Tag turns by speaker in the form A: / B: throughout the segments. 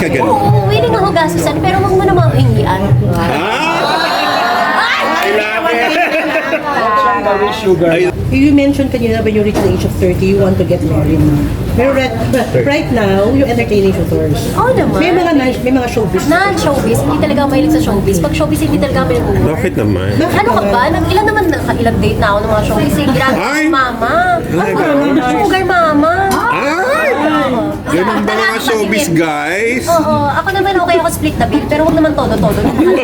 A: Kagano.
B: Oo, willing ako gastusan, pero wag mo naman hingian.
A: I love it!
C: Sugar.
D: You mentioned kanina when you reach the age of 30, you want to get married. Pero right now, you're entertaining suitors.
B: Oo naman.
D: May mga showbiz.
B: Non-showbiz, hindi talaga ako mahilig sa showbiz. Pag showbiz, hindi talaga kami nag-work.
A: Bakit naman?
B: Ano ka ba? Ilan naman nakailang date na ako ng mga showbiz. Grabe
A: Ay!
B: mama.
A: Ay,
B: Sugar mama.
A: Ay! Ganun ba mga showbiz, guys?
B: Oo, ako naman okay ako split the bill, pero wag naman todo-todo.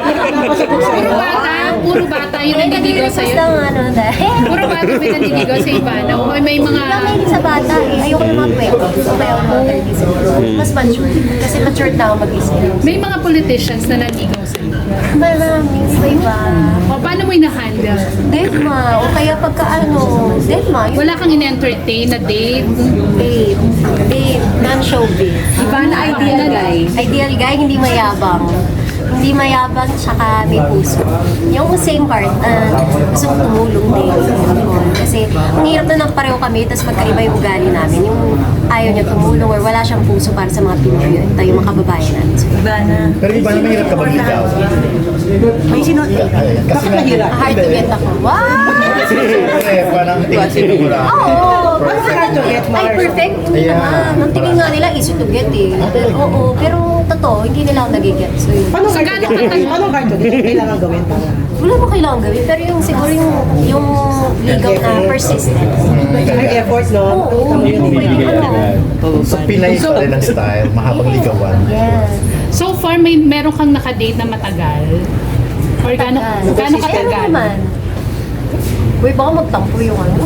E: Puro bata yung nandidigaw
B: Nag-request
E: sa'yo.
B: lang ano dahil.
E: Puro bata may nandidigaw sa Ivana. O may mga...
B: Hindi ako mahilig sa bata eh. Ayoko ng mga 20. So kaya ako ng mga 30 siguro. Mas mature. Kasi matured na ako mag-isip.
E: May mga politicians na nandigaw sa'yo.
B: Marami, iba.
E: O paano mo ina-handle?
B: Deadma. O kaya pagka ano, Deadma.
E: Wala kang in-entertain na date?
B: Babe. Babe. Non-showbiz.
E: Ivana, ideal guy.
B: Ideal guy, hindi mayabang. Hindi mayabang, tsaka may puso. Yung same part, gusto kong tumulong din. Kasi ang hirap na pareho kami, tapos magkaiba yung ugali namin. Yung ayaw niya tumulong or wala siyang puso para sa mga Pinoy, tayo mga kababayan natin. So,
C: Pero iba na mahirap ka magligaw.
D: May sino? Bakit mahirap?
B: hard to get ako. Wow!
C: Siyempre, parang tingin mo lang.
B: Oo!
D: Hard to get,
B: Ay,
D: Mars.
B: perfect
C: Ayan.
B: naman. Ang tingin nga nila, easy to get eh. Oo, pero totoo, hindi nila ako nag-get. So, yun.
D: Paano hard to get? Paano hard to get? Kailangan gawin para.
B: Wala mo kailangan gawin, pero yung siguro yung ligaw na persistent.
D: May effort, no?
B: Oo,
D: Tama
B: hindi
D: yun.
B: mo pwede ano.
C: So, Pinay pa rin ang style, mahabang ligawan.
B: Yes.
E: So far, meron kang nakadate na matagal? Or gaano
B: Ay, ano
E: katagal?
B: naman? Uy, baka magtampo yung ano.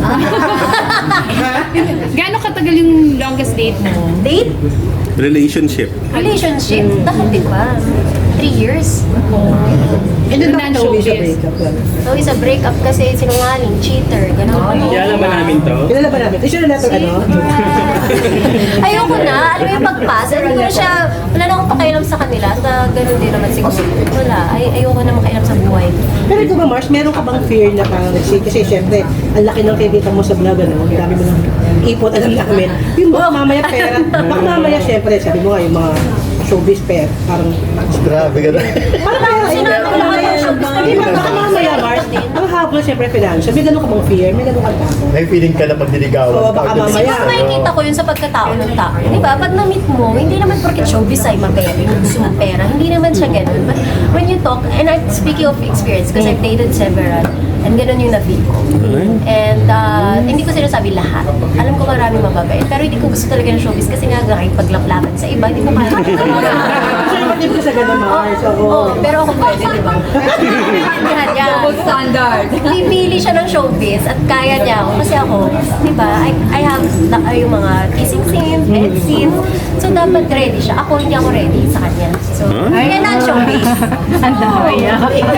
E: Gaano katagal yung longest date mo?
B: Date?
A: Relationship.
B: Relationship? Dahil di ba? 3 years?
D: And then bakit showbiz sa
E: Non-showbiz.
D: breakup?
B: So, isa breakup kasi sinungaling, cheater, gano'n.
A: Kilala ba namin to?
D: Kilala ba namin? Is your letter ano?
B: Ayoko na. Alam mo yung pag-pass. Hindi ko na siya, wala na akong pakialam sa kanila. Sa ganun din naman siguro. Wala. Ayoko na makialam sa buhay.
D: Pero ikaw ba, Mars, meron ka bang fear na parang kasi syempre, ang laki ng kikita mo sa vlog, ano? Ang dami mo ng ipot, alam namin. Yung baka mamaya pera, baka mamaya syempre, sabi mo nga, yung mga showbiz pair, parang
C: Grabe ka na.
D: parang kaya,
B: Sinabi ko naman yung showbiz pair.
D: Di ba, baka mamaya, Mars, ang habol syempre financial, may ganun ka bang fear, may ganun ka takot.
C: May feeling ka na pag niligawan.
D: Oo, baka mamaya.
B: Siguro makikita ko yun sa pagkatao ng tao. Di ba? Pag na-meet mo, hindi naman porket showbiz ay mabaya, yung gusto mong pera. Hindi naman siya ganun. But when you talk, and I'm speaking of experience, because I've dated several, and ganun yung na-feel ko. And hindi ko sinasabi lahat. Alam ko maraming mababait. Pero hindi ko gusto talaga ng showbiz kasi nga kahit paglaplapan sa iba, hindi ko kaya.
D: Kasi naman ka sa ganun, Mars,
B: Oo, pero ako pwede, di ba? Double standard. Pipili siya ng showbiz at kaya niya ako. Kasi ako, di ba, I have yung mga kissing scenes, bed scenes. So, dapat ready siya. Ako, hindi ako ready sa kanya. So, kaya na ang showbiz. Ang daya.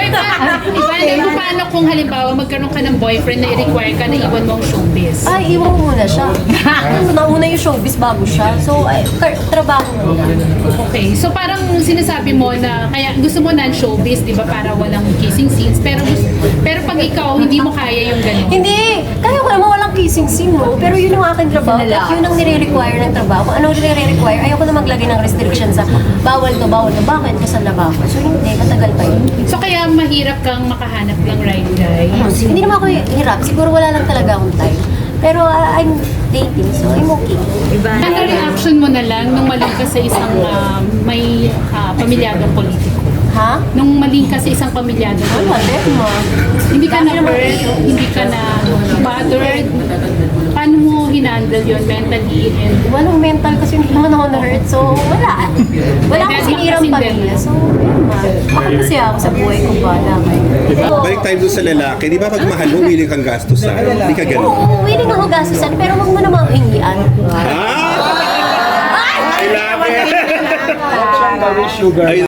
E: Ivana, paano kung halimbawa magkaroon ka ng boyfriend na i-require ka na iwan mo ang showbiz?
B: Ay, iwan ko muna siya. Nauna yung showbiz bago siya. So, trabaho muna.
E: Okay, so parang sinasabi mo na kaya gusto mo non-showbiz, di ba, para walang kissing scenes, pero pag ikaw hindi mo kaya yung ganun.
B: Hindi! Kaya ko naman walang kissing scene, no? Pero yun yung aking trabaho. At yun ang nire-require ng trabaho. Kung anong nire-require, ayoko na maglagay ng restriction sa bawal to, bawal to. Bakit? Kasal na ba ako? So hindi, matagal pa yun.
E: So kaya mahirap kang makahanap ng right guy.
B: Hindi naman ako hirap. Siguro wala lang talaga akong time. Pero I'm dating, so I'm okay.
E: Ano reaction mo na lang nung maling ka sa isang may pamilyadong politiko?
B: Ha?
E: Nung maling ka sa isang pamilyadong
B: Wala,
E: politiko?
B: Derma.
E: Hindi ka na-hurt? Hindi ka na bothered? Paano mo hinandle yun mentally? And
B: Walang mental kasi hindi naman ako na-hurt. So, wala. Wala akong sinirang pamilya. So, ako kasi ako sa buhay ko ba naman.
A: Balik tayo doon sa lalaki. Di ba pag mahal mo, willing kang gastusan? Hindi ka ganun.
B: Oo, willing ako gastusan, pero wag mo naman hingian.
A: I love it!
C: Sugar.